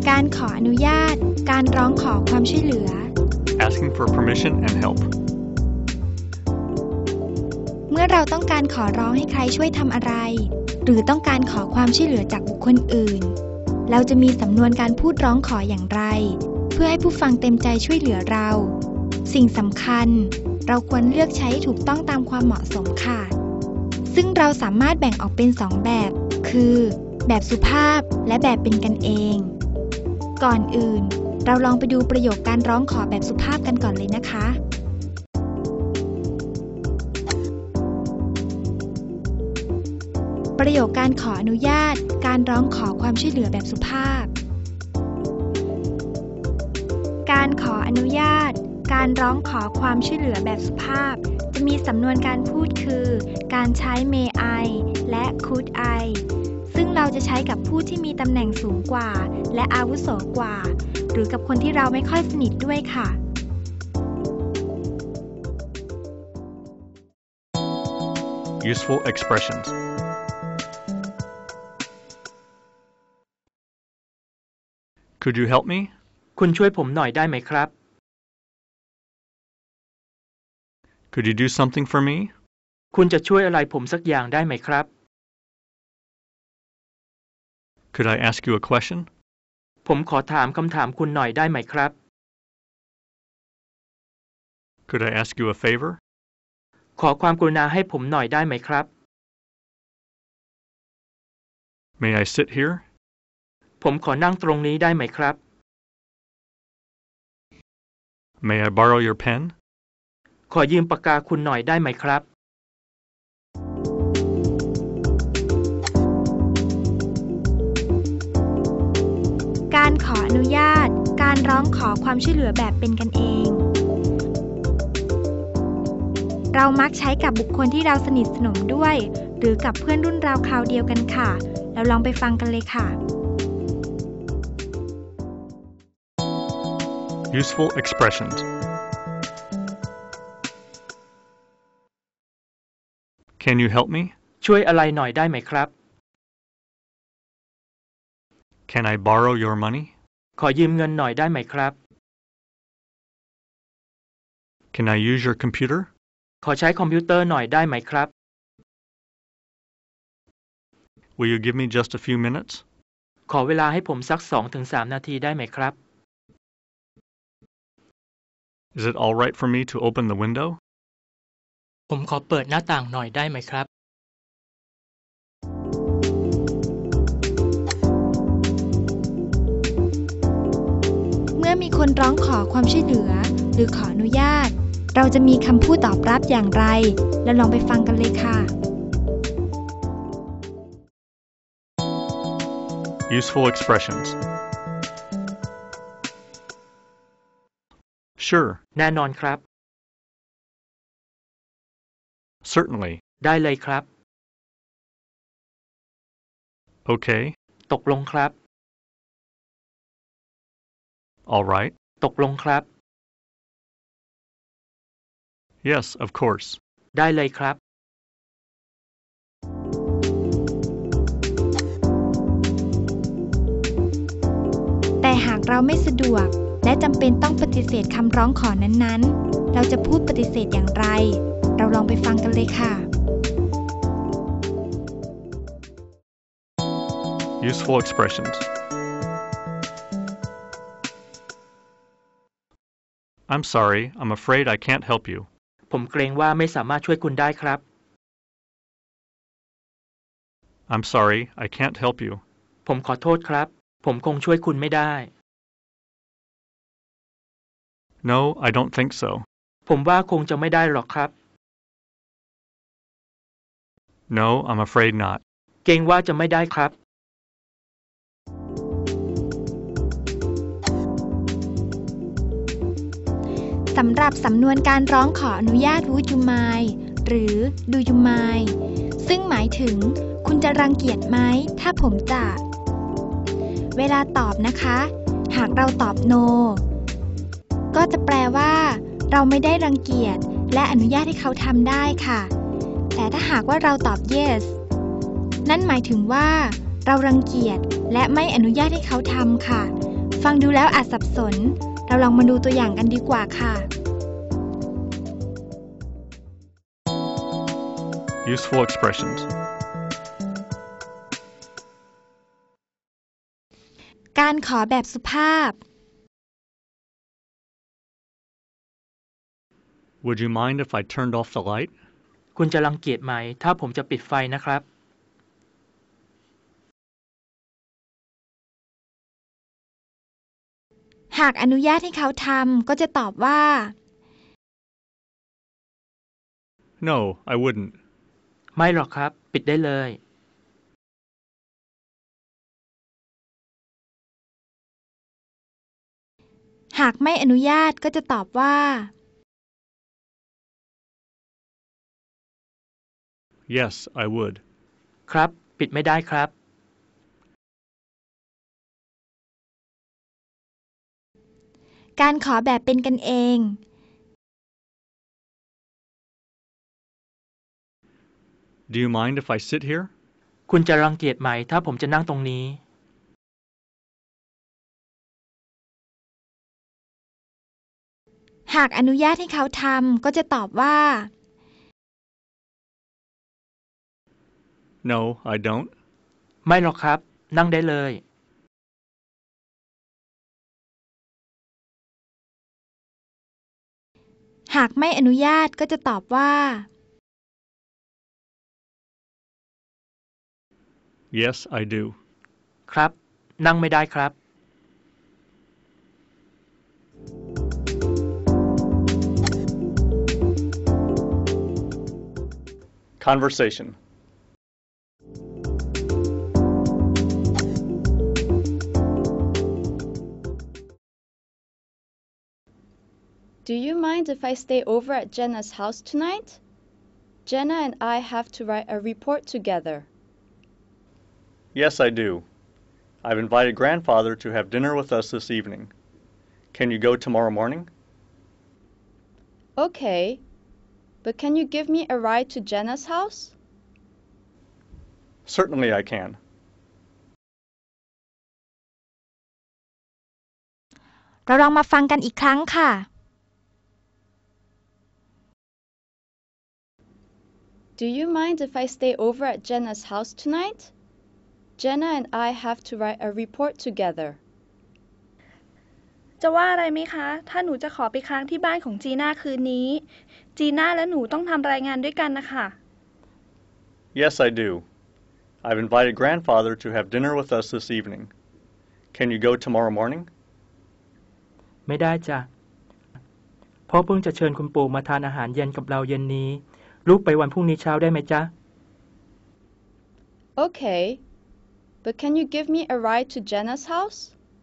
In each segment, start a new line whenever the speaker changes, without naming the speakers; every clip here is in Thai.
การขออนุญาตการร้องขอความช่วยเหลือ
asking for permission and help
เมื่อเราต้องการขอร้องให้ใครช่วยทำอะไรหรือต้องการขอความช่วยเหลือจากบุคคลอื่นเราจะมีสำนวนการพูดร้องขออย่างไรเพื่อให้ผู้ฟังเต็มใจช่วยเหลือเราสิ่งสำคัญเราควรเลือกใช้ถูกต้องตามความเหมาะสมค่ะซึ่งเราสามารถแบ่งออกเป็น2แบบคือแบบสุภาพและแบบเป็นกันเองก่อนอื่นเราลองไปดูประโยคการร้องขอแบบสุภาพกันก่อนเลยนะคะประโยคการขออนุญาตการร้องขอความช่วยเหลือแบบสุภาพการขออนุญาตการร้องขอความช่วยเหลือแบบสุภาพจะมีสำนวนการพูดคือการใช้ may I และ could I ซึ่งเราจะใช้กับผู้ที่มีตำแหน่งสูงกว่าและอาวุโสกว่าหรือกับคนที่เราไม่ค่อยสนิทด้วยค่ะ
Useful expressions Could you help me?
คุณช่วยผมหน่อยได้ไหมครับ
Could you do something for me?
คุณจะช่วยอะไรผมสักอย่างได้ไหมครับ
Could I ask you a question?
ผมขอถามคำถามคุณหน่อยได้ไหมครับ
Could I ask you a favor?
ขอความกรุณาให้ผมหน่อยได้ไหมครับ
May I sit here?
ผมขอนั่งตรงนี้ได้ไหมครับ
May I borrow your pen?
ขอยืมปากกาคุณหน่อยได้ไหมครับ
การขออนุญาตการร้องขอความช่วยเหลือแบบเป็นกันเองเรามักใช้กับบุคคลที่เราสนิทสนมด้วยหรือกับเพื่อนรุ่นราวคราวเดียวกันค่ะเราลองไปฟังกันเลยค่ะ
Useful expressions Can you help me?
ช่วยอะไรหน่อยได้ไหมครับ
Can I borrow your money?
ขอยืมเงินหน่อยได้ไหมครับ
Can I use your computer?
ขอใช้คอมพิวเตอร์หน่อยได้ไหมครับ
Will you give me just a few minutes?
ขอเวลาให้ผมสัก 2-3 นาทีได้ไหมครับ
Is it all right for me to open the window?
ผมขอเปิดหน้าต่างหน่อยได้ไหมครับ
เมื่อมีคนร้องขอความช่วยเหลือหรือขออนุญาตเราจะมีคำพูดตอบรับอย่างไรเราลองไปฟังกันเลยค่ะ
Useful expressions Sure
แน่นอนครับ
Certainly
ได้เลยครับ
Okay
ตกลงครับ
All right
ตกลงครับ
Yes, of course
ได้เลยครับ
แต่หากเราไม่สะดวกและจำเป็นต้องปฏิเสธคำร้องขอนั้นๆเราจะพูดปฏิเสธอย่างไรเราลองไปฟังกันเลยค่ะ
Useful expressions I'm sorry, I'm afraid I can't help you.
ผมเกรงว่าไม่สามารถช่วยคุณได้ครับ
I'm sorry, I can't help you.
ผมขอโทษครับผมคงช่วยคุณไม่ได้
No, I don't think so.
ผมว่าคงจะไม่ได้หรอกครับ
No, I'm afraid not.
เกรงว่าจะไม่ได้ครับ
สำหรับสำนวนการร้องขออนุญาต Would you mind หรือ Do you mind ซึ่งหมายถึงคุณจะรังเกียจไหมถ้าผมจะเวลาตอบนะคะหากเราตอบ No ก็จะแปลว่าเราไม่ได้รังเกียจและอนุญาตให้เขาทำได้ค่ะแต่ถ้าหากว่าเราตอบ Yes นั่นหมายถึงว่าเรารังเกียจและไม่อนุญาตให้เขาทำค่ะฟังดูแล้วอาจสับสน เราลองมาดูตัวอย่างกันดีกว่าค่ะ
Useful expressions.
การขอแบบสุภาพ
Would you mind if I turned off the light?
คุณจะรังเกียจไหมถ้าผมจะปิดไฟนะครับ
หากอนุญาตให้เขาทำก็จะตอบว่า
No, I wouldn't.
ไม่หรอกครับ ปิดได้เลย
หากไม่อนุญาตก็จะตอบว่า
Yes, I would.
ครับ ปิดไม่ได้ครับ
การขอแบบเป็นกันเอง
Do you mind if I sit here?
คุณจะรังเกียจไหมถ้าผมจะนั่งตรงนี้
หากอนุญาตให้เขาทำก็จะตอบว่า
No, I don't.
ไม่หรอกครับ นั่งได้เลย
หากไม่อนุญาตก็จะตอบว่า
Yes, I do.
ครับ นั่งไม่ได้ครับ
Conversation.
Do you mind if I stay over at Jenna's house tonight? Jenna and I have to write a report together.
Yes, I do. I've invited Grandfather to have dinner with us this evening. Can you go tomorrow morning?
Okay, but can you give me a ride to Jenna's house?
Certainly I can.
เราลองมาฟังกันอีกครั้งค่ะ
Do you mind if I stay over at Jenna's house tonight? Jenna and I have to write a report together.
จะว่าอะไรไหมคะ ถ้าหนูจะขอไปค้างที่บ้านของจีน่าคืนนี้ จีน่าและหนูต้องทำรายงานด้วยกันนะคะ
Yes, I do. I've invited Grandfather to have dinner with us this evening. Can you go tomorrow morning?
ไม่ได้จ้ะพ่อเพิ่งจะเชิญคุณปู่มาทานอาหารเย็นกับเราเย็นนี้ ลูกไปวันพรุ่งนี้เช้าได้ไหมจ๊ะ
Okay, but can you give me a ride to Jenna's house?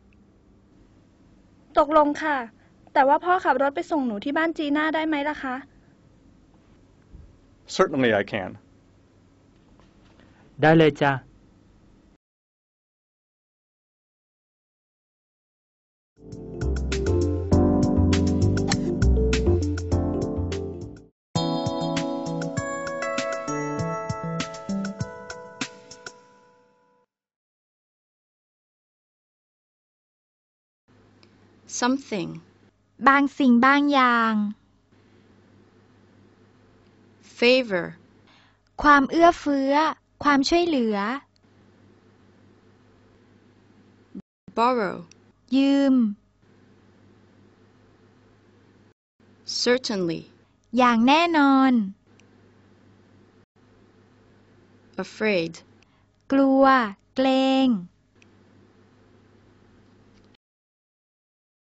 ตกลงค่ะ แต่ว่าพ่อขับรถไปส่งหนูที่บ้านจีน่าได้ไหมล่ะคะ
Certainly I can.
ได้เลยจ้ะ
Something.
บางสิ่งบางอย่าง
Favor.
ความเอื้อเฟื้อ ความช่วยเหลือ
Borrow.
ยืม
Certainly.
อย่างแน่นอน
Afraid.
กลัว เกรง